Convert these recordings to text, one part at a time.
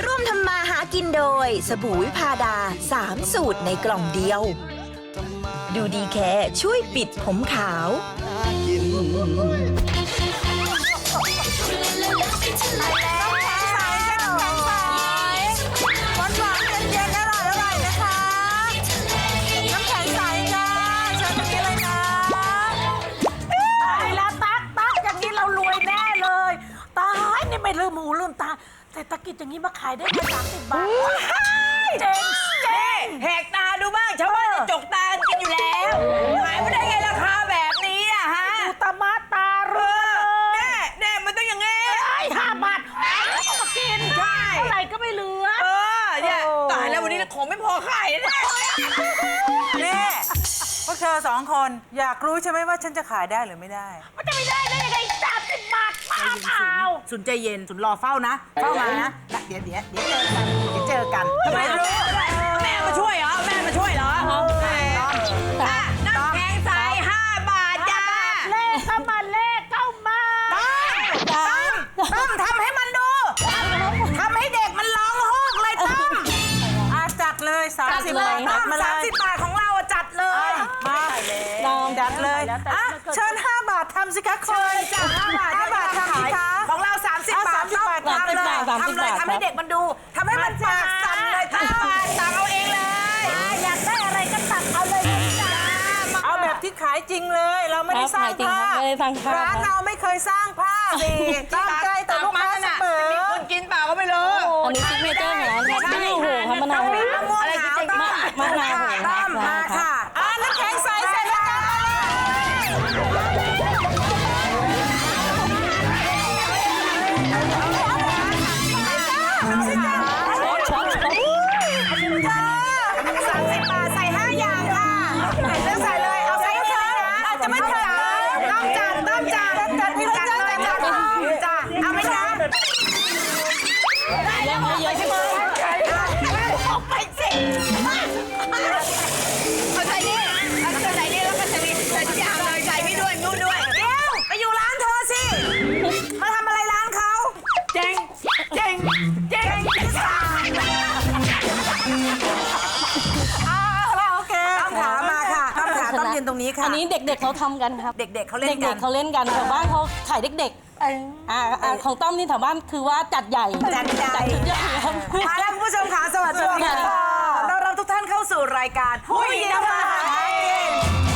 ร่วมทำมาหากินโดยสบู่วิพาดา3 สูตรในกล่องเดียว ดูดีแค่ช่วยปิดผมขาวไม่ลืมหูลืมตาเศรษฐกิจอย่างนี้มาขายได้แค่30 บาทเจ๋งแหกตาดูบ้างชาวบ้านจะจกตากินอยู่แล้วขายไม่ได้ไงราคาแบบนี้อะฮะดูตามาตาเรือแน่มันต้องอย่างงี้ 5 บาทก็มากินใช่เท่าไหร่ก็ไม่เหลือเนี่ยตายแล้ววันนี้ของไม่พอขายแน่นี่พวกเธอ2 คนอยากรู้ใช่ไหมว่าฉันจะขายได้หรือไม่ได้มันจะไม่ได้ได้ยังไง30 บาทมาเปล่าสุนใจเย็นสุนรอเฝ้านะเฝ้ามานะเดี๋ยวเจอกันทำไมรู้แม่มาช่วยเหรอน้ำแข็งใส5 บาทจ้าเลขเข้ามาตั้มทำให้มันดูทำให้เด็กมันร้องโฮกเลยตั้มจัดเลย30 บาทมาเลย30 บาทของเราจัดเลยมาจัดเลยเชิญ5 บาททำสิคะคุณจ้ะ5 บาททำสิคะของเรา30 บาททำเลยทำให้เด็กมันดูทำให้มันปากสั่นเลย5 บาทตักเอาเองเลยอยากได้อะไรก็ตักเอาเลยจ้าเอาแบบที่ขายจริงเลยเราไม่ได้สร้างภาพร้านเราไม่เคยสร้างภาพสิตั้งใจแต่ลูกค้าเสมอมีคนกินเปล่าก็ไม่รู้อันนี้ซิกเนเจอร์ของร้านครับมะนาวโหครับมะนาวโหอะไรจริงๆมะนาวโหมาค่ะน้ำแข็งใสเสร็จแล้วจ้าตรงนี้ค่ะอันนี้เด็กๆเขาทำกันครับเด็กๆเขาเล่นกันแถวบ้านเขาขายเด็กๆของต้อมนี่แถวบ้านคือว่าจัดใหญ่ชุดใหญ่ครับมาแล้วคุณผู้ชมค่ะสวัสดีค่ะต้อนรับทุกท่านเข้าสู่รายการผู้หญิงทำมาหากิน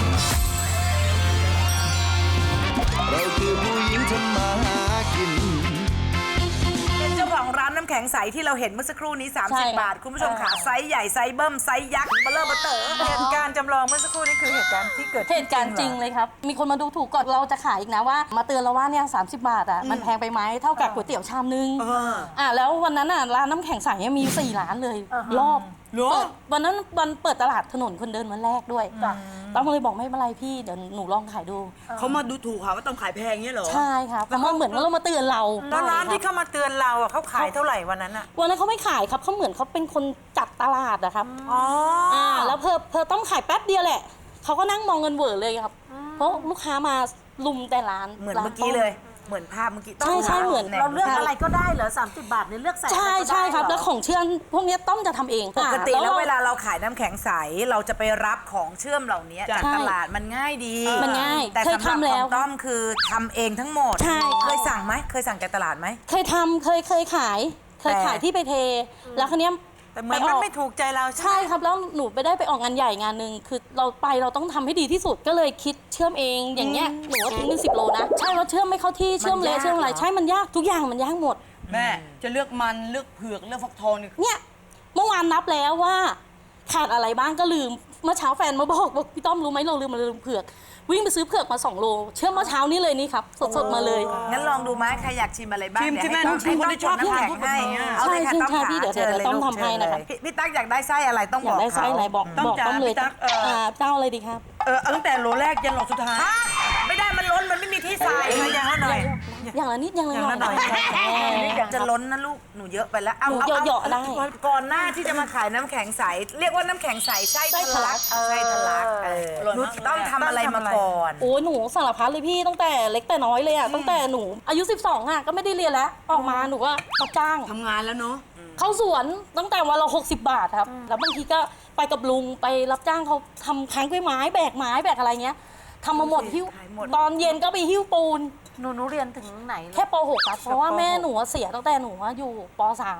เราคือผู้หญิงทำมาหากินเป็นเจ้าของร้านน้ำแข็งใสที่เราเห็นเมื่อสักครู่นี้30 บาทคุณผู้ชมค่ะไซส์ใหญ่ไซส์เบิ้มไซส์ยักษ์เบลอเต๋อเหตุการณ์จำลองเมื่อสักครู่นี้คือเหตุการณ์ที่เกิดเหตุการณ์จริงเลยครับมีคนมาดูถูกก่อนเราจะขายอีกนะว่ามาเตือนเราว่าเนี่ย30 บาทอ่ะมันแพงไปไหมเท่ากับก๋วยเตี๋ยวชามนึงแล้ววันนั้นอ่ะร้านน้ำแข็งใสมี4 ร้านเลยรอบวันนั้นวันเปิดตลาดถนนคนเดินวันแรกด้วยต้องเลยบอกไม่เป็นไรพี่เดี๋ยวหนูลองขายดูเขามาดูถูกค่ะว่าต้องขายแพงเงี้ยเหรอใช่ครับเพราะว่าเหมือนว่าเรามาเตือนเราแล้วร้านที่เขามาเตือนเราอ่ะเขาขายเท่าไหร่วันนั้นอ่ะวันนั้นเขาไม่ขายครับเขาเหมือนเขาเป็นคนจัดตลาดนะครับแล้วเพอต้องขายแป๊บเดียวแหละเขาก็นั่งมองเงินเวอร์เลยครับเพราะลูกค้ามาลุมแต่ร้านเหมือนเมื่อกี้เลยเหมือนภาพเมื่อกี้ใช่เหมือนเราเลือกอะไรก็ได้เหรอ30 บาทเนี่ยเลือกใส่ใช่ครับแล้วของเชื่อมพวกนี้ต้อมจะทำเองปกติแล้วเวลาเราขายน้ำแข็งใสเราจะไปรับของเชื่อมเหล่านี้จากตลาดมันง่ายดีมันง่ายแต่สำหรับของต้อมคือทำเองทั้งหมดเคยสั่งไหมเคยสั่งจากตลาดไหมเคยทำเคยขายที่ไปเทแล้วคันนี้แต่เหมือนมันไม่ถูกใจเราใช่ครับแล้วหนูไปได้ไปออกงานใหญ่งานหนึ่งคือเราต้องทำให้ดีที่สุดก็เลยคิดเชื่อมเองอย่างเงี้ยหนูว่าทิ้งเป็น10 โลนะใช่ว่าเชื่อมไม่เข้าที่เชื่อมเละเชื่อมอะไรใช่มันยากทุกอย่างมันยากหมดแม่จะเลือกมันเลือกเผือกเลือกฟักทองเนี่ยเมื่อวานนับแล้วว่าขาดอะไรบ้างก็ลืมเมื่อเช้าแฟนมาบอกพี่ต้อมรู้ไหมเราลืมเผือกวิ่งไปซื้อเผือกมา2 โลเชื่อมเมื่อเช้านี้เลยนี่ครับสดๆมาเลยงั้นลองดูไหมใครอยากชิมอะไรบ้างชิมใช่ไหมต้องชิมคนที่ชอบน้ำแข็งให้เอาเลยค่ะต้องขาเดี๋ยวต้องทำให้นะคะพี่ตั๊กอยากได้ไส้อะไรต้องบอกอยากได้ไส้อะไรบอกต้อมเลยเจ้าอะไรดีครับตั้งแต่โลแรกยันโลสุดท้ายไม่ได้มันล้นมันไม่มีที่ใส่อย่างละหน่อยอย่างละนิดอย่างละหน่อยจะล้นนะลูกหนูเยอะไปแล้วเอาเหยาะได้ก่อนหน้าที่จะมาขายน้ำแข็งใสเรียกว่าน้ำแข็งใสไส้ทะลักไส้ทะลักหนูต้องทำอะไรมาก่อนโอ้หนูสารพัดเลยพี่ตั้งแต่เล็กแต่น้อยเลยอ่ะตั้งแต่หนูอายุ12อ่ะก็ไม่ได้เรียนแล้วออกมาหนูก็รับจ้างทำงานแล้วเนาะเข้าสวนตั้งแต่วันละ60 บาทครับ แล้วบางทีก็ไปกับลุงไปรับจ้างเขาทำค้างกล้วยไม้แบกอะไรเงี้ยทำมาหมดหิ้วตอนเย็นก็ไปหิ้วปูนหนูเรียนถึงไหนเลยแค่ป .6 ครับเพราะว่าแม่หนูเสียตั้งแต่หนูอยู่ป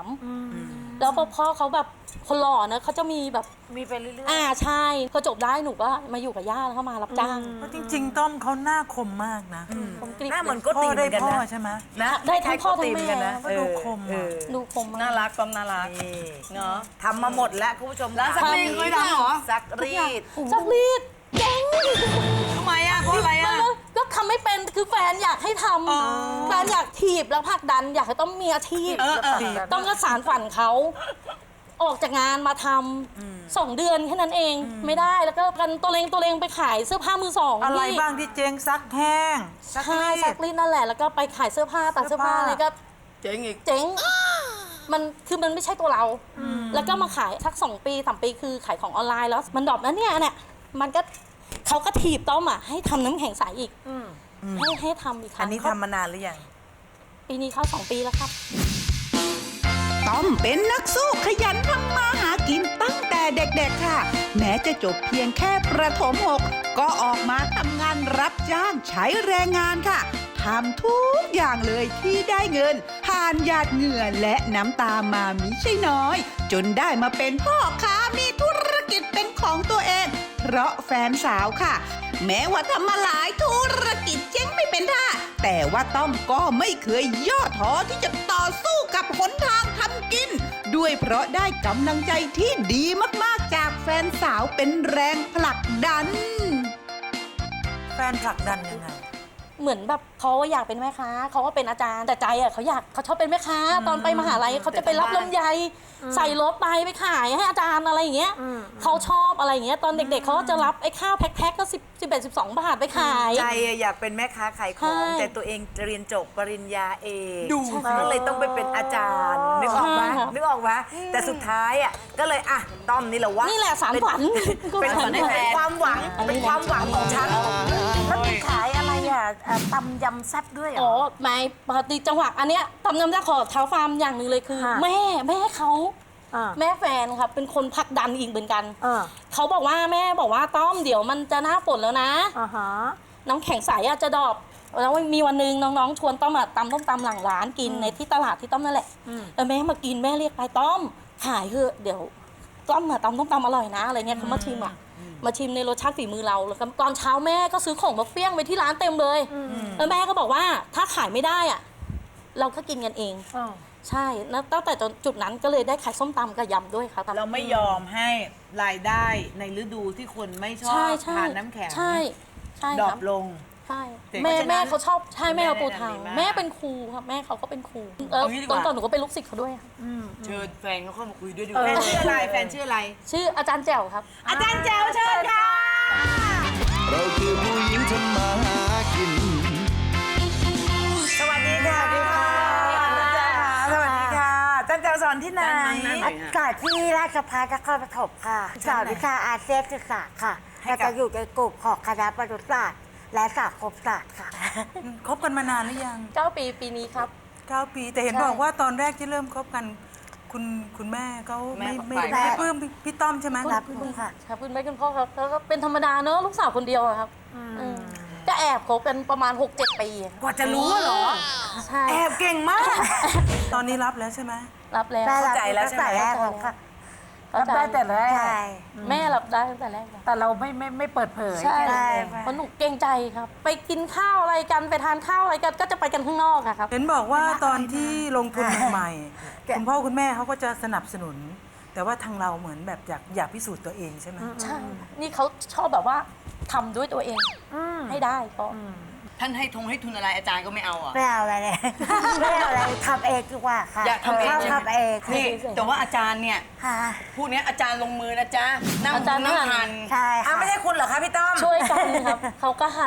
.3 แล้วพ่อเขาแบบคนหล่อนะเขาจะมีแบบมีไปเรื่อยใช่พอจบได้หนูก็มาอยู่กับย่าแล้วก็มารับจ้างเพราะจริงๆ ต้อมเขาหน้าคมมากนะผมกรี๊ดหน้าเหมือนโก็พ่อตีเหมืได้อนกันพ่อนะใช่ไหมนะได้ทั้งพ่อทั้งคล้ายๆโกติเหมือนกันนะแม่ก็ดูคมเออะอดูคมมากน่ารักต้อมน่ารักนี่เนาะทำมาหมดแล้วคุณผู้ชมแล้วซักรีดเคยทำเหรอซักรีดซักรีดเก่งทำไมอ่ะเพราะอะไรอ่ะก็ทำไม่เป็นคือแฟนอยากให้ทำแฟนอยากถีบแล้วผลักดันอยากให้ต้องมีอาชีพ ต้องก็สารฝันเขาออกจากงานมาทำ2 เดือนแค่นั้นเองไม่ได้แล้วก็กันตัวเลงไปขายเสื้อผ้ามือสองอะไรที่บ้างที่เจ๊งซักแห้งใช่ซักรีดนั่นแหละแล้วก็ไปขายเสื้อผ้าตัดเสื้อผ้าอะไรก็เจ๋งอีกเจ๊งมันคือมันไม่ใช่ตัวเรา แล้วก็มาขายสัก2 ปี 3 ปีคือขายของออนไลน์แล้วมันดรอปนะเนี่ยมันก็เขาก็ถีบต้อมอ่ะให้ทำน้ำแข็งใสอีกให้ทำอีกคอัรั้นงนี้ทำมานานหรือยังปีนี้เข้า2 ปีแล้วครับต้อมเป็นนักสู้ขยันทำมาหากินตั้งแต่เด็กๆค่ะ แม้จะจบเพียงแค่ประถม 6 ก็ออกมาทำงานรับจ้างใช้แรงงานค่ะทำทุกอย่างเลยที่ได้เงินผ่านหยาดเหงื่อและน้ำตามามิใช่น้อย จนได้มาเป็นพ่อค้ามีธุรกิจเป็นของตัวเอง เพราะแฟนสาวค่ะ แม้ว่าทำมาหลายธุรกิจเจ๊งไม่เป็นท่าแต่ว่าต้อมก็ไม่เคยย่อท้อที่จะต่อสู้กับหนทางทำกิน ด้วยเพราะได้กำลังใจที่ดีมากๆจากแฟนสาวเป็นแรงผลักดันแฟนผลักดันยังไงเหมือนแบบเขาอยากเป็นแม่ค้าเขาก็เป็นอาจารย์แต่ใจอ่ะเขาชอบเป็นแม่ค้าตอนไปมหาลัยเขาจะไปรับลำไยใส่รถไปขายให้อาจารย์อะไรอย่างเงี้ยเขาชอบอะไรอย่างเงี้ยตอนเด็กๆเขาก็จะรับไอ้ข้าวแพ็คๆก็11-12 บาทไปขายใจอยากเป็นแม่ค้าขายของใช่แต่ตัวเองเรียนจบปริญญาเอกดูก็เลยต้องไปเป็นอาจารย์นึกออกไหมใช่ค่ะนึกออกไหมแต่สุดท้ายอ่ะก็เลยอ่ะต้อมนี่แหละวะนี่แหละสารฝันเป็นสารฝันความหวังเป็นความหวังของฉันๆแล้วมีขายอะไรอ่ะตำยำแซ่บด้วยเหรอ๋ออไม่ปกติจังหวะอันเนี้ยตำน้ำจะขอเท้าฟาร์มอย่างหนึ่งเลยคือค่ะแม่เขาอ่าแม่แฟนครับเป็นคนผลักดันอีกเหมือนกันอ่าเขาบอกว่าแม่บอกว่าต้อมเดี๋ยวมันจะหน้าฝนแล้วนะอ่าฮะน้ำแข็งใสอะจะดรอปแล้วมีวันหนึงน้องๆชวนต้อมอะตำต้มตำหลังร้านกินในที่ตลาดที่ต้อมนั่นแหละแล้วแม่มากินแม่เรียกไปต้อมขายเถอะเดี๋ยวต้อมอะตำต้มตำอร่อยนะอะไรเงี้ยเขามาชิมอะมาชิมในรสชาติฝีมือเราแล้วก็ตอนเช้าแม่ก็ซื้อของมาเฟี้ยงไว้ที่ร้านเต็มเลยแล้วแม่ก็บอกว่าถ้าขายไม่ได้อะเราก็กินกันเองอ่าใช่แล้วตั้งแต่จุดนั้นก็เลยได้ขายส้มตำกับยำด้วยค่ะเราไม่ยอมให้รายได้ในฤดูที่คนไม่ชอบใช่ใช่ทานน้ำแข็งใช่ใช่ดรอครัปบลงใช่เจ๋งแม่เพราะฉะนั้นแม่เขาชอบใช่แม่เขาปูทางแม่ดีมากแม่เป็นครูครับแม่เขาก็เป็นครูเอางี้ดีกว่าตอนหนูก็เป็นลูกศิษย์เขาด้วยค่ะเชิญแฟนเขาเข้ามาคุยด้วยดีกแฟว่านชื่ออะไรแฟนชื่ออะไรชื่ออาจารย์แจ๋วครับอาจารย์แจ๋วเชิญค่ะเราคือผู้หญิงทำมาหากินสวัสดีค่ะสวัสดีค่ะสวัสดีค่ะอาจารย์แจ๋วสอนที่ไหนสอนที่ราชภัฏนครปฐมค่ะสอนวิชาอาเซียนศึกษาค่ะให้เรากับจะอยู่ในกลุ่มของคณะประวัติศาสตร์และสังคมศาสตร์ค่ะคบกันมานานหรือยัง 9 ปีปีนี้ครับ 9 ปี แต่เห็นใช่บอกว่าตอนแรกที่เริ่มคบกัน คุณแม่เขาไม่แม่ไม่ปลื้มพี่ต้อมใช่ไหมรับคุณค่ะครับคุณแม่คุณพ่อครับแล้วก็เป็นธรรมดาเนอะลูกสาวคนเดียวอะครับก็แอบคบกันประมาณ 6-7 ปีกว่าจะรู้เหรอใช่แอบเก่งมากตอนนี้รับแล้วใช่ไหมรับแล้วเข้าใจแล้วใช่ไหมตั้งแต่แรกแล้วค่ะรับได้แต่แรกใช่แม่รับได้ตั้งแต่แรกแล้วแต่เราไม่เปิดเผยใช่ใช่เพราะหนูเกรงใจครับ ไปกินข้าวอะไรกันไปทานข้าวอะไรกันก็จะไปกันข้างนอกอะครับเห็นบอกว่าตอนที่ลงทุนใหม่ๆคุณพ่อคุณแม่เขาก็จะสนับสนุน แต่ว่าทางเราเหมือนแบบอยากพิสูจน์ตัวเองใช่ไหมใช่ นี่เขาชอบแบบว่าทำด้วยตัวเองให้ได้ก็ท่านให้ทุนอะไรอาจารย์ก็ไม่เอาอ่ะไม่เอาอะไรเลย ไม่เอาอะไรทำเองดีกว่าค่ะอยากทำเองชบใช่ไหมทำเองนี่แต่ว่าอาจารย์เนี่ยค่ะพูดเนี้ยอาจารย์ลงมือนะจ๊ะนั่งอาจารย์นั่งหั่นหันใช่อ่ะค่ะไม่ใช่คุณเหรอคะพี่ต้อมช่วยกันครับ เขาก็หั่น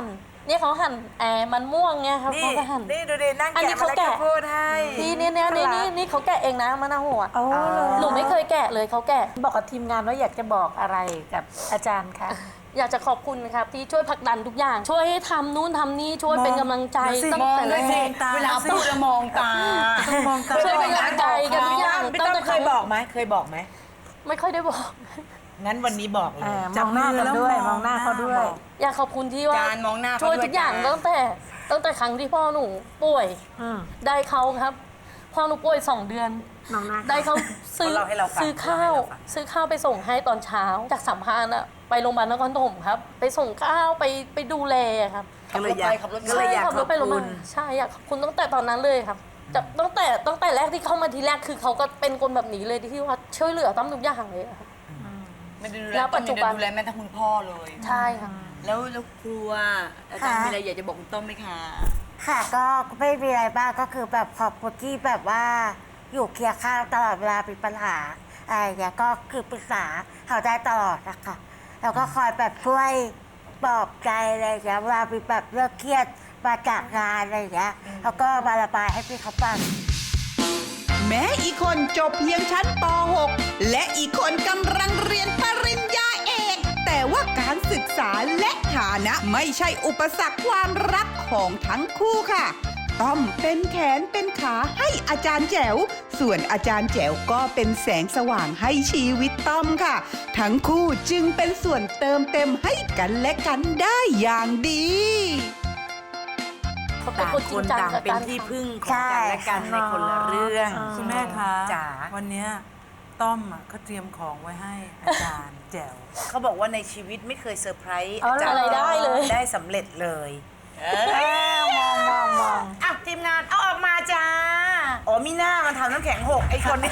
เนี่ยเขาหั่นมันม่วงเนี่ยครับนี่เขาก็หั่นนี่ดูดินั่งอันนี้แกะมาเขาแล้วแกะก็พูดให้นี่เขาแกะเองนะมะนาวหัวหนูไม่เคยแกะเลยเขาแกะบอกกับทีมงานว่าอยากจะบอกอะไรกับอาจารย์คะอยากจะขอบคุณนะครับที่ช่วยผลักดันทุกอย่าง ช่วยให้ทำนู่นทำนี่ช่วยเป็นกำลังใจตั้งแต่แรกเวลาพูดแล้วมองตามองตาช่วยเป็นกำลังใจกันทุกอย่างพี่ต้อมเคยบอกไหมเคยบอกไหมไม่ค่อยได้บอกงั้นวันนี้บอกเลยมองหน้ากันด้วยมองหน้าเขาด้วยอยากขอบคุณที่ว่าจานมองหน้าเขาช่วยด้วยทุกอย่างจานตั้งแต่ครั้งที่พ่อหนูป่วยได้เขาครับพ่อหนูป่วย2 เดือนน้องหน้าได้เขาซื้อเขาเล่าให้เราฟังซื้อข้าว ซื้อข้าวไปส่งให้ตอนเช้าจากสัมพันธ์อะไปโรงพยาบาลนครปฐมครับ ไปส่งข้าวไปดูแลครับก็เลยอยากขับรถไปก็เลยอยากขับขรอถบไปโรงพยาคุบาณลใช่อยากขอบคุณตั้งแต่ตอนนั้นเลยครับจากตั้งแต่แรกที่เข้ามาทีแรกคือเขาก็เป็นคนแบบนี้เลยที่ว่าช่วยเหลือต้อมทุกอย่างเลยอะครับไม่ได้ดูแลแล้วปัจจุบันดูแลแม้แต่คุณพ่อเลยใช่ค่ะแล้วครูอะอาจารย์มีอะไรอยากจะบอกคุณต้อมไหมคะค่ะก็ไม่มีอะไรบ้างก็คือแบบขอบคุณที่แบบว่าอยู่เคียงข้างตลอดเวลามีปัญหาอะไรอย่างเงี้ยก็คือปรึกษาเขาได้ตลอดนะคะแล้วก็คอยแบบช่วยปลอบใจอะไรอย่างเงี้ยเวลามีแบบเรื่องเครียดมาจากงานอะไรอย่างเงี้ยแล้วก็มาระบายให้พี่เขาฟังแม้อีกคนจบเพียงชั้นป .6 และอีกคนกำลังเรียนปริญญาเอก แต่ว่าการศึกษาและฐานะไม่ใช่อุปสรรคความรักของทั้งคู่ค่ะ ต้อมเป็นแขนเป็นขาให้อาจารย์แจ๋ว ส่วนอาจารย์แจ๋วก็เป็นแสงสว่างให้ชีวิตต้อมค่ะ ทั้งคู่จึงเป็นส่วนเติมเต็มให้กันและกันได้อย่างดีเขาเป็นต่างคนจคริงนจังต่างกับเป็นการที่ทำพึ่งของกันและกันในคนละเรื่องคุณแม่คะจ๋าวันเนี้ยต้อมอะเขาเตรียมของไว้ให้อาจารย์แจ๋วเขาบอกว่าในชีวิตไม่เคยเซอร์ไพรส์เอาอะไรได้เลยได้สำเร็จเลยมองอ่ะทีมงานเอาออกมาจ้าอ๋อมีหน้ามันทำน้ำแข็งหกไอ้คนนี้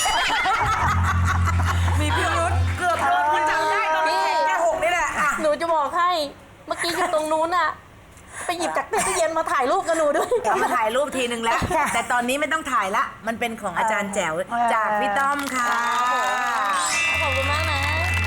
มีพิรุษเกือบโดนคุณจำได้ตอนน้ำแข็งแค่หกนี่แหละอ่ะหนูจะบอกให้เมื่อกี้อยู่ตรงนู้นอะไปหยิบจากตู้เย็นมาถ่ายรูปกับหนูด้วยกลับมาถ่ายรูปทีนึงแล้ว แต่ตอนนี้ไม่ต้องถ่ายละ มันเป็นของอาจารย์แจ๋วจากพี่ต้อมค่ะขอบคุณมากนะ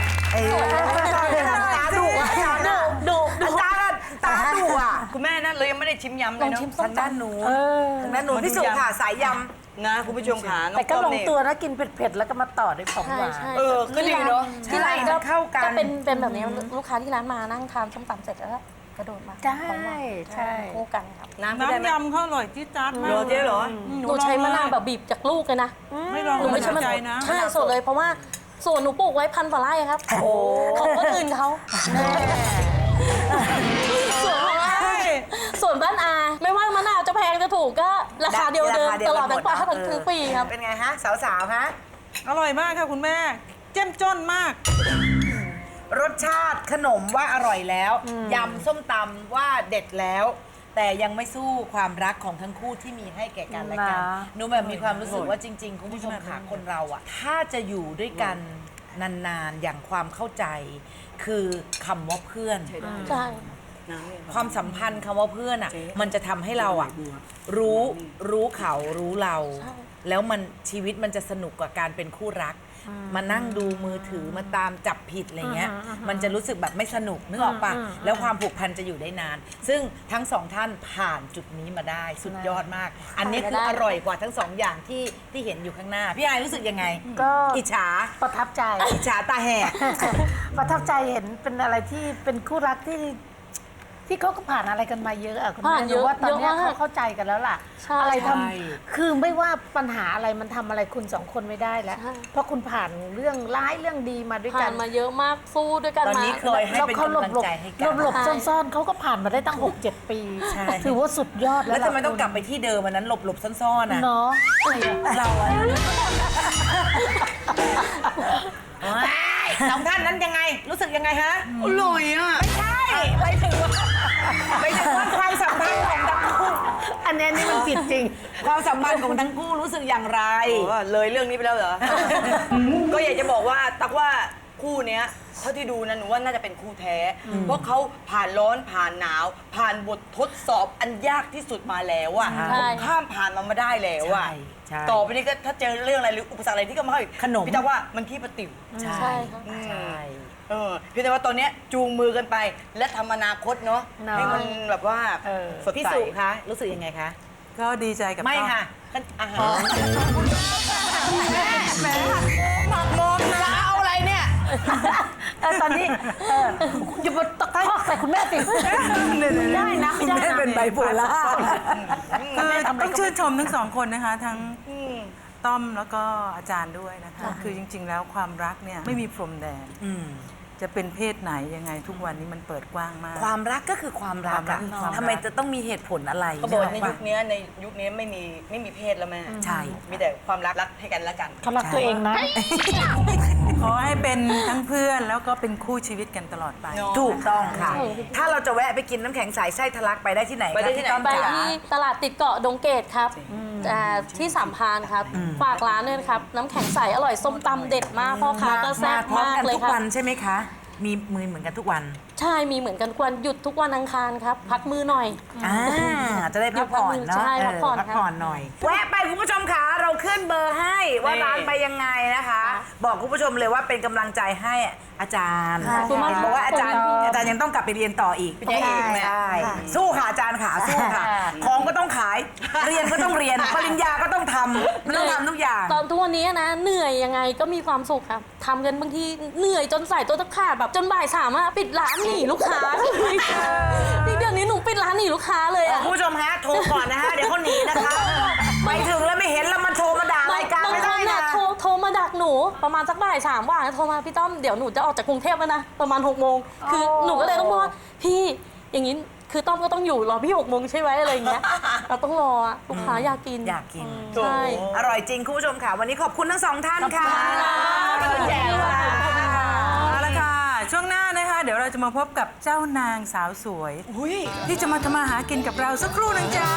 ตาดุอ่ะอาจารย์อาจารย์ตาดุอ่ะคุณแม่นั่นเลยยังไม่ได้ชิมยำเลยเนาะทางด้านหนูทางด้านหนูพี่สุค่ะสายยำนะคุณผู้ชมขาน้อแต่งก็ต้อมลงเนี่ยตัวนะกินเผ็ดๆแล้วก็มาต่อด้วยของหวานใช่ก็ดีเนาะที่ร้านใช่เข้ากันก็เป็นแบบนี้ลูกค้าที่ร้านมานั่งทานส้มตำเสร็จแล้วก็กระโดดมาใช่ของหวานใช่คู่กันครับน้ำก็ได้ไหมน้ำยำเขาอร่อยจี๊ดจ๊าดมากเหรอเจ๊เหรอหนูใช้มะนาวแบบบีบจากลูกเลยนะไม่ลองหนูไม่ใช่มะใจนาวนะใช่สดเลยเพราะว่าส่วนหนูปลูกไว้1,000 กว่าไร่ครับของคนอื่นเขาส่วนของอาส่วนบ้านอาไม่ว่ามะนาวจะแพงจะถูกก็ราคาเดียวเดิมตลอดทั้งปีครับเป็นไงฮะ สาวๆฮะอร่อยมากค่ะคุณแม่ เจ้มจ้นมากรสชาติขนมว่าอร่อยแล้วยำส้มตำว่าเด็ดแล้ว แต่ยังไม่สู้ความรักของทั้งคู่ที่มีให้แก่กันและกันนะหนูแบบมีความรู้สึกว่าจริง ๆ คุณผู้ชมค่ะคนเราอะถ้าจะอยู่ด้วยกันนานๆอย่างความเข้าใจ คือคำว่าเพื่อนใช่ความสัมพันธ์คำว่าเพื่อนอะมันจะทำให้เราอะรู้เขารู้เรา แล้วมันชีวิตมันจะสนุกกว่าการเป็นคู่รัก มานั่งดูมือถือมาตามจับผิดอะไรเงี้ยมันจะรู้สึกแบบไม่สนุกนึกออกปะแล้วความผูกพันจะอยู่ได้นาน ซึ่งทั้งสองท่านผ่านจุดนี้มาได้สุดยอดมาก อันนี้คืออร่อยกว่าทั้งสองอย่างที่เห็นอยู่ข้างหน้า พี่ไอรู้สึกยังไงก็อิจฉาประทับใจอิจฉาตาแหกประทับใจเห็นเป็นอะไรที่เป็นคู่รักที่เขาก็ผ่านอะไรกันมาเยอะอะคุณผ่าแม่นเยรู้อะว่าตอนเนี้ยเยอะมากเขาเข้าใจกันแล้วล่ะใช่อะไรทใช่ำคือไม่ว่าปัญหาอะไรมันทำอะไรคุณสองคนไม่ได้แล้วใช่เพราะคุณผ่านเรื่องร้ายเรื่องดีมาด้วยกัผ่าน นมาเยอะมากสู้ด้วยกันตอนมานี้เคยให้เป็นกำลังใจให้กันหลบซ่อนๆเขาก็ผ่านมาได้ตั้ง 6-7 ปีใช่ถือว่าสุดยอดแล้วแล้วทำไมต้องกลับไปที่เดิมวันนั้นหลบซ่อนๆอ่ะเนาะเราอะสองท่านนั้นยังไงรู้สึกยังไงฮะอร่อยอ่ะใช่ไปถึงว่าความสัมพันธ์ของทั้งคู่อันนี้นี่มันผิดจริงความสัมพันธ์ของทั้งคู่รู้สึกอย่างไรเลยเรื่องนี้ไปแล้วเหรอ ก็อยากจะบอกว่าตักว่าคู่เนี้ยเท่าที่ดูนะหนูว่าน่าจะเป็นคู่แท้ เพราะเขาผ่านร้อนผ่านหนาว ผ่านบททดสอบอันยากที่สุดมาแล้วอะใช่ข้ามผ่านมันมาได้แล้วอะใช่ต่อไปนี้ก็ถ้าเจอเรื่องอะไรหรืออุปสรรคอะไรที่ก็มาให้ขนมพี่ตักว่ามันขี้ประติ๋วใช่ค่ะใช่เพียงแต่ว่าตอนเนี้ยจูงมือกันไป และทำอนาคตเนาะให้มันแบบว่าสดพี่ใสสุคะรู้สึกยังไงคะก็ดีใจกับไม่ต้อค่ะอาหารหมักมอมนะเอาอะไรเนี่ยตอนนี้อย่ามาตะคอกใส่คุณแม่สิได้นะไม่ได้นะเป็นไบโพล่าคือต้องชื่นชมทั้งสองคนนะคะ ทั้งต้อมแล้วก็อาจารย์ด้วยนะคะ คือจริง ๆ แล้วความรักเนี่ยไม่มีพรมแดนจะเป็นเพศไหนยังไงทุกวันนี้มันเปิดกว้างมากความรักก็คือความรักอะความรักทำไมจะต้องมีเหตุผลอะไรเขาบอกว่าในใช่ยุปะคนี้ไม่มีเพศแล้วแม่ใช่มีแต่ความรักให้กันและกันเขารักตัวเองนะขอให้เป็นทั้งเพื่อนแล้วก็เป็นคู่ชีวิตกันตลอดไปถูกต้องค่ะ ถ้าเราจะแวะไปกินน้ำแข็งใสไส้ทะลักไปได้ที่ไหนไปได้ที่ไหนคะพี่ต้อมไปจ๋าที่ตลาดติดเกาะดงเกตครับที่สามพรานครับ ฝากร้านด้วยนะครับ น้ำแข็งใสอร่อยส้มตำเด็ดมากพ่อค้าก็แซ่บพร้อมมากกันเลยทุกครัวับนใช่ไหมคะ มีมือเหมือนกันทุกวันใช่มีเหมือนกันทุกวันหยุดทุกวันอังคารครับ พักมือหน่อยจะได้พักผ่อนเนาะใช่พักผ่อนพักผ่อนหน่อย แวะไปคุณผู้ชมค่ะเราขึ้นเบอร์ให้ว่าร้านไปยังไงนะคะ บอกคุณผู้ชมเลยว่าเป็นกำลังใจให้อาจารย์ขอบคุณมากเห็นบอกว่าอาจารย์ยังต้องกลับไปเรียนต่ออีกเป็นยังไงอีกแม่ใช่สู้ค่ะอาจารย์ค่ะสู้ค่ะ ของก็ต้องขาย เรียนก็ต้องเรียน ปริญญาก็ต้องทำมันต้องทำทุกอย่างตอนทุกวันนี้นะเหนื่อยยังไงก็มีความสุขครับทำกันบางทีเหนื่อยจนใส่ตัวตะขาดแบบจนบ่ายสามอะปิดร้านหนีลูกค้าที่เดี๋ยวนี้หนูปิดร้านหนีลูกค้าเลยอะคุณผู้ชมฮะโทรก่อนนะฮะเดี๋ยวเขาหนีนะคะไปถึงแล้วไม่เห็นแล้วมันโทรมาด่ารายการบางไม่คได้นนะน่ะโทรมาดักหนูประมาณสักบ่ายสามว่างโทรมาพี่ต้อมเดี๋ยวหนูจะออกจากกรุงเทพแล้วนะประมาณ6 โมงคือหนูก็เลยต้องบอกว่าพี่อย่างนี้คือต้อมก็ต้องอยู่รอพี่6 โมงใช่ไหมอะไรอย่างเงี้ยเราต้องรออะลูกค้าอยากกินอยากกินใช่อร่อยจริงคุณผู้ชมค่ะ วันนี้ขอบคุณทั้งสองท่านค่ะขอบคุณค่ะเอาละค่ะ ช่วงหน้านะคะ เดี๋ยวเราจะมาพบกับเจ้านางสาวสวย ที่จะมาทำมาหากินกับเราสักครู่หนึงจ้า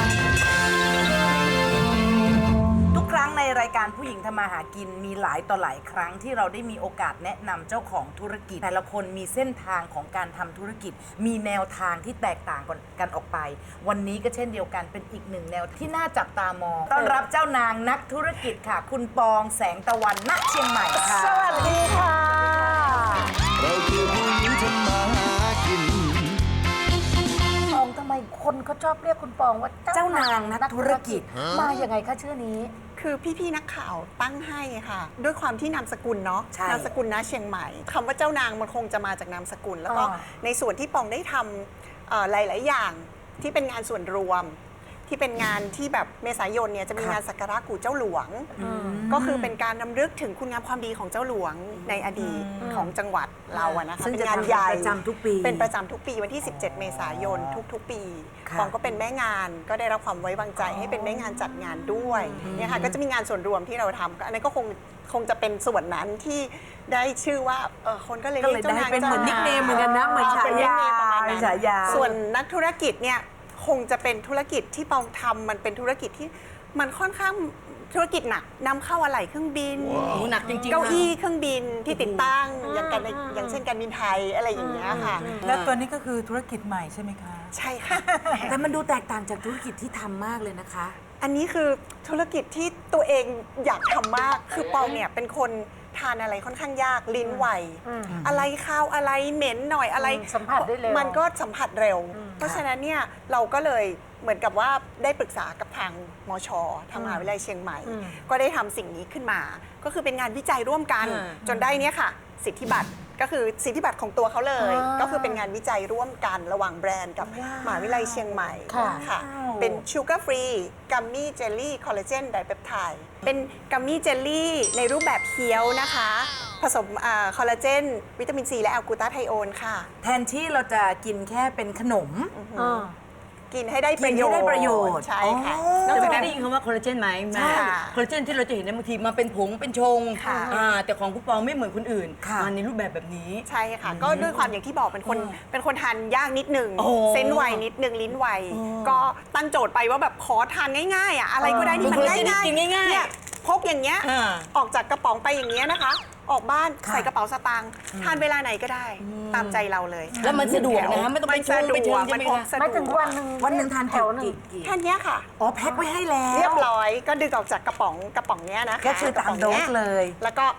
ทุกครั้งในรายการผู้หญิงทำมาหากินมีหลายต่อหลายครั้งที่เราได้มีโอกาสแนะนำเจ้าของธุรกิจแต่ละคนมีเส้นทางของการทำธุรกิจ มีแนวทางที่แตกต่างกันออกไป วันนี้ก็เช่นเดียวกันเป็นอีกหนึ่งแนวที่น่าจับตามองต้อนรับเจ้านางนักธุรกิจค่ะ คุณปองแสงตะวันณเชียงใหม่ค่ะสวัสดีค่ะเราคือผู้หญิงทำมาหากินปองทำไมคนเขาชอบเรียกคุณปองว่าเจ้านางนักธุรกิจมาอย่างไงคะชื่อนี้คือพี่ๆนักข่าวตั้งให้ค่ะ ด้วยความที่นามสกุลเนาะใช่นามสกุลนะเชียงใหม่คำว่าเจ้านางมันคงจะมาจากนามสกุล แล้วก็ ในส่วนที่ปองได้ทำหลายๆอย่างที่เป็นงานส่วนรวม ที่เป็นงานที่แบบเมษายนเนี่ยจะมีงานสักการะกู่เจ้าหลวง ก็คือเป็นการนำลึกถึงคุณงามความดีของเจ้าหลวงในอดีตของจังหวัดเราอะนะคะซึ่งเป็นจะงานทำใหญ่ประจำทุกปีเป็นประจำทุกปีวันที่ 17 เมษายนทุกๆ ปีค่ะปองก็เป็นแม่งานก็ได้รับความไว้วางใจให้เป็นแม่งานจัดงานด้วยเนี่ยค่ะก็จะมีงานส่วนรวมที่เราทำก็อันนั้นก็คงจะเป็นส่วนนั้นที่ได้ชื่อว่าคนก็เลยก็เรียเลยกเจ้าได้นางเป็นเหมือนนิกเนมเหมือนกันนะเหมือนฉายาเป็นฉายาส่วนนักธุรกิจเนี่ยคงจะเป็นธุรกิจที่ปองทำมันเป็นธุรกิจที่มันค่อนข้างธุรกิจหนักนำเข้าอะไหล่เครื่องบินหนักจริงๆเก้าอี้เครื่องบินที่ติดตั้งอย่างเช่นการบินไทยอะไรอย่างเงี้ยค่ะแล้วตัวนี้ก็คือธุรกิจใหม่ใช่ไหมคะใช่ค่ะแต่มันดูแตกต่างจากธุรกิจที่ทำมากเลยนะคะอันนี้คือธุรกิจที่ตัวเองอยากทำมาก คือปองเนี่ยเป็นคนทานอะไรค่อนข้างยากลิ้นไว อะไรข้าวอะไรเหม็นหน่อยอะไรสัมผัสได้เร็วมันก็สัมผัสเร็ว เพราะฉะนั้นเนี่ยเราก็เลยเหมือนกับว่าได้ปรึกษากับทางมชทางมหาวิทยาลัยเชียงใหม่ ก็ได้ทำสิ่งนี้ขึ้นมา ก็คือเป็นงานวิจัยร่วมกัน จนได้เนี่ยค่ะ สิทธิบัตรก็คือสิทธิบัตรของตัวเขาเลย ก็คือเป็นงานวิจัยร่วมกันระหว่างแบรนด์กับมหาวิทยาลัยเชียงใหม่ค่ะเป็นชูการ์ฟรีกัมมี่เจลลี่คอลลาเจนไดเปปไทด์เป็นกัมมี่เจลลี่ในรูปแบบเคี้ยวนะคะ ผสมคอลลาเจนวิตามินซีและแอลกลูตาไทโอนค่ะแทนที่เราจะกินแค่เป็นขนมกินให้ได้ประโยชน์กินให้ได้ประโยชน์ใช่ค่ะนนออกกจาจาก กนั้นั้น นได้ยินคำว่าคอลลาเจนไหมแม่ค่ะคอลลาเจนที่เราจะเห็นในบางทีมาเป็นผงเป็นชงค่ะแต่ของคุณปองไม่เหมือนคนอื่นค่ะมาในรูปแบบแบบนี้ใช่ค่ะ ก็ด้วยความอย่างที่บอกเป็นคนทานยากนิดนึงโอ้เส้นไวนิดนึงลิ้นไวก็ตั้งโจทย์ไปว่าแบบขอทานง่ายๆอ่ะอะไรก็ได้ที่มันคอลลาเจนง่ายกินง่ายๆเนี่ยพกอย่างเงี้ยอ่าออกจากกระป๋องไปอย่างเงี้ยนะคะ ออกบ้านใส่กระเป๋าสตางค์ทานเวลาไหนก็ได้ ตามใจเราเลยแล้วมันสะดวกนะไม่ต้องไปชงไปเชิญใช่มันไหมพกคะสะดวกไม่ถึงวันหนึ่งทานแถวหนึ่งกี่แค่เนี้ยค่ะอ๋อแพ็คไว้ให้แล้วเรียบร้อยก็ดึงออกจากกระป๋องเนี้ยนะคะแค่ชื่อตามโดสเลยแล้วก็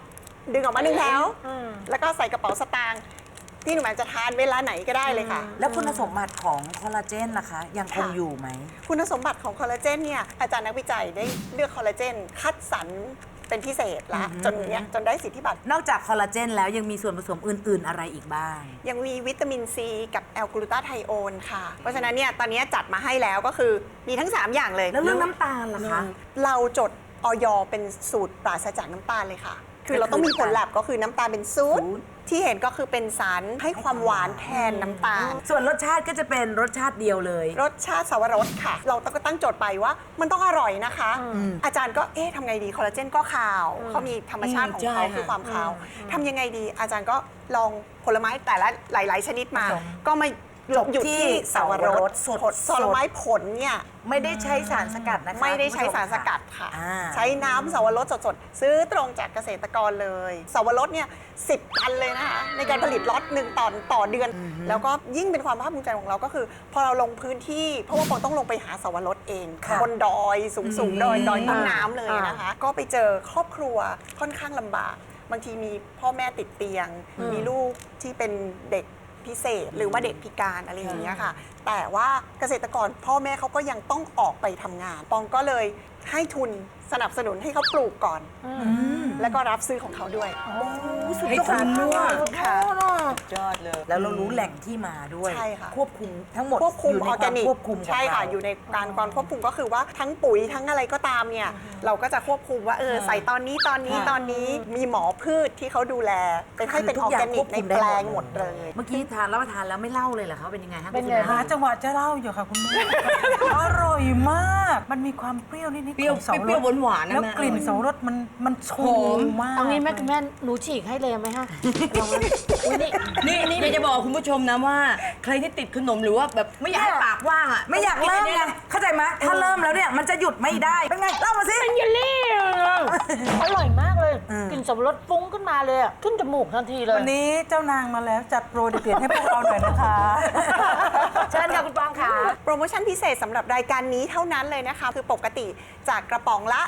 ดึงออกมา1แถวแล้วก็ใส่กระเป๋าสตางค์ที่หนูแหม่มจะทานเวลาไหนก็ได้เลยค่ะแล้วคุณสมบัติของคอลลาเจนล่ะคะ ยังคงอยู่ไหมคุณสมบัติของคอลลาเจนเนี่ยอาจารย์นักวิจัยได้เลือกคอลลาเจนคัดสรรเป็นพิเศษละจนได้สิทธิบัตรนอกจากคอลลาเจนแล้วยังมีส่วนผสมอื่น ๆ อะไรอีกบ้างยังมีวิตามินซีกับแอลกลูตาไทโอนค่ะ เพราะฉะนั้นเนี่ยตอนนี้จัดมาให้แล้วก็คือมีทั้ง 3 อย่างเลยแล้วเรื่องน้ำตาลล่ะคะเราจดออยเป็นสูตรปราศจากน้ำตาลเลยค่ะ คือเราต้องมีผลลัพธ์ก็คือน้ำตาลเป็นศูนย์ที่เห็นก็คือเป็นสารให้ความหวานแทนน้ำตาลส่วนรสชาติก็จะเป็นรสชาติเดียวเลยรสชาติสวรสค่ะ เราก็ตั้งโจทย์ไปว่ามันต้องอร่อยนะคะ อาจารย์ก็ทำไงดีคอลลาเจนก็ขาวเขามีธรรมชาติของเขาคือความขาวทำยังไงดี อาจารย์ก็ลองผลไม้แต่ละหลาย ๆ ชนิดมา ก็มาอยู่ที่สวรสผลไม้ผลเนี่ยไม่ได้ใช้สารสกัดนะคะไม่ได้ใช้สารสกัดค่ะ ใช้น้ำสวรสสดๆ ซื้อตรงจากเกษตรกรเลยสวรสเนี่ย10 ตันเลยนะคะในการผลิตล็อตหนึ่งต่อเดือน แล้วก็ยิ่งเป็นความภาคภูมิใจของเราก็คือ พอเราลงพื้นที่เพราะว่าปองต้องลงไปหาสวรสเองบนดอยสูงๆดอยต้นน้ำเลยนะคะ ก็ไปเจอครอบครัวค่อนข้างลำบาก บางทีมีพ่อแม่ติดเตียง มีลูกที่เป็นเด็กพิเศษหรือว่าเด็กพิการอะไรอย่างเงี้ยค่ะ แต่ว่าเกษตรกรพ่อแม่เขาก็ยังต้องออกไปทำงาน ปองก็เลยให้ทุนสนับสนุนให้เขาปลูกก่อน แล้วก็รับซื้อของเขาด้วยให้ทุนด้วยค่ะยอดเลยแล้วเรารู้แหล่งที่มาด้วยใช่ค่ะควบคุมทั้งหมดควบคุมยู่อในอร์แกนิกควบคุมของใช่ค่ะเราอยู่ในการควบคุมก็คือว่าทั้งปุ๋ยทั้งอะไรก็ตามเนี่ยเราก็จะควบคุมว่าใส่ตอนนี้มีหมอพืชที่เขาดูแลเป็นให้เป็นออร์แกนิกในแปลงหมดเลยเมื่อกี้ทานรับประทานแล้วไม่เล่าเลยเหรอคะเป็นยังไงคะเป็นไงคุณหาแม่จังหวะจะเล่าอยู่ค่ะคุณแม่ อร่อยมาก มันมีความเปรี้ยวนิดๆเปรี้ยวของเสารสเปรี้ยวหวานๆนะแล้วแม่กลิ่นเสารสมันชูมากเอางี้แม่คุณแม่หนูฉีกให้เลยไหมฮะลองเลยอุ๊ยนี่นี่อยากจะบอกคุณผู้ชมนะว่า ใครที่ติดขนมหรือว่าแบบไม่อยากให้ปากว่างอ่ะไม่อยากเริ่มไงเข้าใจไหมถ้าเริ่มแล้วเนี่ยมันจะหยุดไม่ได้เป็นไงเล่ามาสิเป็นเยลลี่อร่อยมากเลยกลิ่นสับปะรดฟุ้งขึ้นมาเลยอะขึ้นจมูกทันทีเลยวันนี้เจ้านางมาแล้วจัดโปรเด็ดๆให้พวกเราหน่อยนะคะเชิญค่ะคุณปองค่ะโปรโมชั่นพิเศษสำหรับรายการนี้เท่านั้นเลยนะคะ คือปกติจากกระป๋องละ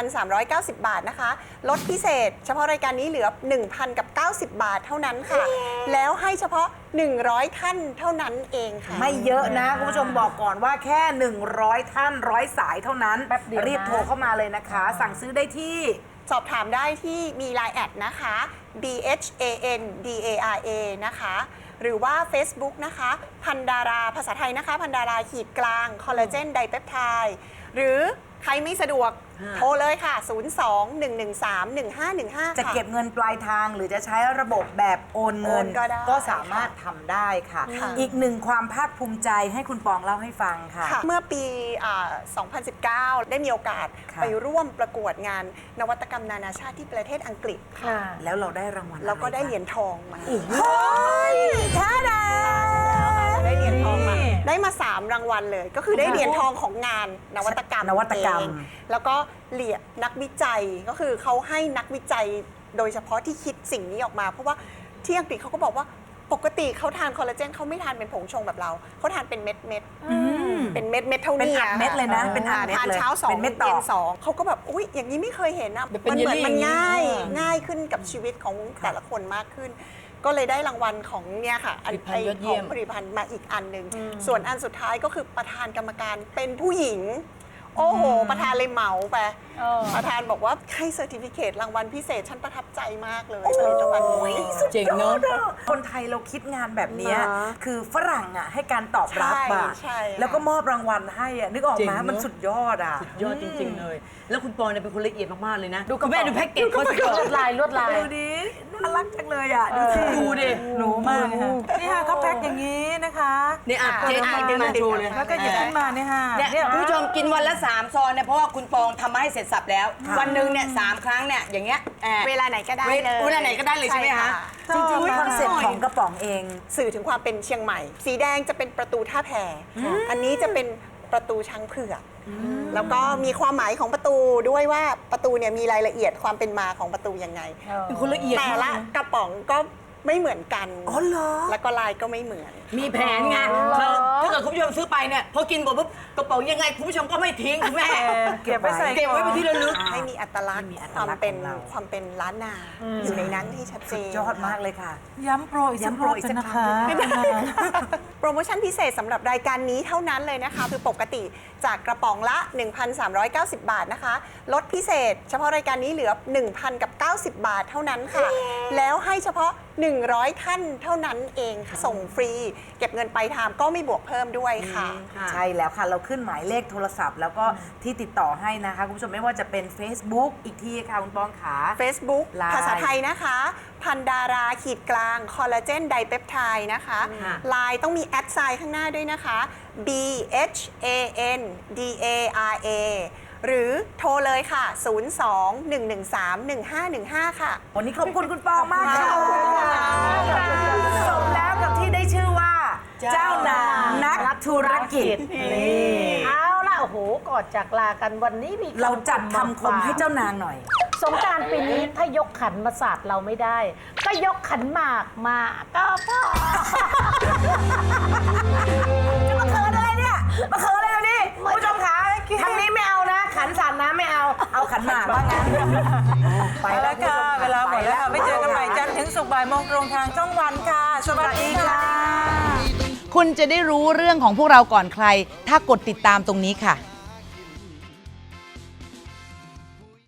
1,390 บาทนะคะ ลดพิเศษ เฉพาะรายการนี้เหลือ 1,090 บาทเท่านั้นค่ะ แล้วให้เฉพาะ 100 ท่านเท่านั้นเองค่ะไม่เยอะนะคุณผู้ชมบอกก่อนว่าแค่ 100 ท่าน100 สายเท่านั้นแป๊บเดียวนะรีบโทรเข้ามาเลยนะคะ สั่งซื้อได้ที่สอบถามได้ที่มี Line แอดนะคะ BHANDARA นะคะ หรือว่า Facebook นะคะ พันดาราภาษาไทยนะคะ พันดาราขีดกลางคอลลาเจนไดเปปไทด์หรือใครไม่สะดวกโทรเลยค่ะ 02-113-1515 จะเก็บเงินปลายทางหรือจะใช้ระบบแบบโอนเงินโอนก็ได้ก็สามารถทำได้ค่ะค่ะอีกหนึ่งความภาคภูมิใจให้คุณปองเล่าให้ฟังค่ะเมื่อปี 2019 ได้มีโอกาสค่ะไปร่วมประกวดงานนวัตกรรมนานาชาติที่ประเทศอังกฤษค่ะค่ะแล้วเราได้รางวัลอะไรแล้วก็ได้คะเหรียญทองมาท่าดาได้เหรียญทองมา ได้มา 3 รางวัลเลย ก็คือได้เหรียญทองของงานนวัตกรรมนวัตกรรมเองแล้วก็เหรียญนักวิจัยก็คือเขาให้นักวิจัยโดยเฉพาะที่คิดสิ่งนี้ออกมา เพราะว่าที่อังกฤษเขาก็บอกว่าปกติเขาทานคอลลาเจนเขาไม่ทานเป็นผงชงแบบเราเขาทานเป็นเม็ดเป็นเม็ดเท่าเป็นนี้อัดเม็ดเลยนะเป็นอัดเม็ดทานเลยเช้าสองเป็นเม็ดต่อเย็นสองเขาก็แบบอุ๊ยอย่างนี้ไม่เคยเห็นนะแบบเป็นมันเหมือนเยลลี่มันง่ายอย่างนี้ง่ายขึ้นกับชีวิตของแต่ละคนมากขึ้น ก็เลยได้รางวัลของเนี่ยค่ะผลิตภัณฑ์ยอดเยี่ยมผลิตภัณฑ์มาอีกอันหนึ่งส่วนอันสุดท้ายก็คือประธานกรรมการเป็นผู้หญิง โอ้โห ประธานเลยเหมาไปประธานบอกว่าให้เซอร์ติฟิเคตรางวัลพิเศษฉันประทับใจมากเลยผลิตภัณฑ์นี้เจ๋งเนาะคนไทยเราคิดงานแบบเนี้ยนะคือฝรั่งอ่ะให้การตอบรับอ่ะใช่ค่ะแล้วก็มอบรางวัลให้อ่ะนึกออกเจ๋งไหมเนอะมันสุดยอดอ่ะยอดจริง ๆ เลย แล้วคุณปองเนี่ยเป็นคนละเอียดมาก ๆ เลยนะ ดูคุณแม่ดูแพ็กเกจเขาสิลวดลายลวดลายดูดิน่ารักจังเลยอ่ะดูสิดูดิหนูมากเลยค่ะนี่ค่ะเขาแพ็คอย่างนี้นะคะเนี่ยอ่ะเจ๊อ่านมาโชว์เลยแล้วก็หยิบขึ้นมาเนี่ยค่ะเนี่ยคุณผู้ชมกินวันละ3 ซองเนี่ยเพราะว่าคุณปองทำมาให้เสร็จสับแล้ว วันหนึ่งเนี่ย3 ครั้งเนี่ยอย่างเงี้ยเวลาไหนก็ได้เลยเวลาไหนก็ได้เลยใช่ไหมคะจริงๆคอนเซ็ปต์ของกระป๋องเองสื่อถึงความเป็นเชียงใหม่ สีแดงจะเป็นประตูท่าแพอันนี้จะเป็นประตูช้างเผือกแล้วก็มีความหมายของประตูด้วยว่าประตูเนี่ยมีรายละเอียดความเป็นมาของประตูยังไงเป็นคนละเอียดแต่ละมากกระป๋องก็ไม่เหมือนกันอ๋อเหรอแล้วก็ลายก็ไม่เหมือนมีแผนไงเราถ้าเกิดคุณผู้ชมซื้อไปเนี่ยพอกินหมดปุ๊บระเป๋ายังไงคุณผู้ชมก็ไม่ทิ้งคุณแม่เก็บไว้ใส่เก็บไว้เป็นที่ระลึกให้มีอัตลักษณ์ความเป็นล้านนาอยู่ในนั้นให้ชัดเจนยอดมากเลยค่ะย้ำโปรอีกสักรอบกันนะคะโปรโมชั่นพิเศษสำหรับรายการนี้เท่านั้นเลยนะคะ คือปกติจากกระป๋องละ 1,390 บาทนะคะ ลดพิเศษ เฉพาะรายการนี้เหลือ 1,090 บาทเท่านั้นค่ะ แล้วให้เฉพาะ 100 ท่านเท่านั้นเองค่ะส่งฟรี เก็บเงินปลายทางก็ไม่บวกเพิ่มด้วยค่ะใช่แล้วค่ะ เราขึ้นหมายเลขโทรศัพท์ แล้วก็ที่ติดต่อให้นะคะคุณผู้ชมไม่ว่าจะเป็น Facebook อีกทีค่ะคุณปองขา Facebook ไลน์ภาษาไทยนะคะ พันดาราขีดกลางคอลลาเจนไดเปปไทด์นะคะไลน์ต้องมีแอดไซน์ข้างหน้าด้วยนะคะ BHANDARA หรือโทรเลยค่ะ 02-113-1515 ค่ะวันนี้ขอบคุณคุณปองมากค่ะสมแล้วกับที่ได้ชื่อว่า เจ้านางนักธุรกิจเอาล่ะโอ้โหก่อนจากลากันวันนี้มีเราจัดคำคมให้เจ้านางหน่อยสงกรานต์ปีนี้ถ้ายกขันมาสาดเราไม่ได้ ก็ยกขันหมากมาก็พอมาเขินอะไรเนี่ย มาเขินอะไรอยู่นี่คุณผู้ชมคะทางนี้ไม่เอานะ ขันสาดน้ำไม่เอา เอาขันหมากว่างั้นไปแล้วค่ะ เวลาหมดแล้วค่ะ ไม่เจอกันใหม่จันทร์ถึงศุกร์บ่ายโมงตรงทางช่องวันค่ะ สวัสดีค่ะคุณจะได้รู้เรื่องของพวกเราก่อนใคร ถ้ากดติดตามตรงนี้ค่ะ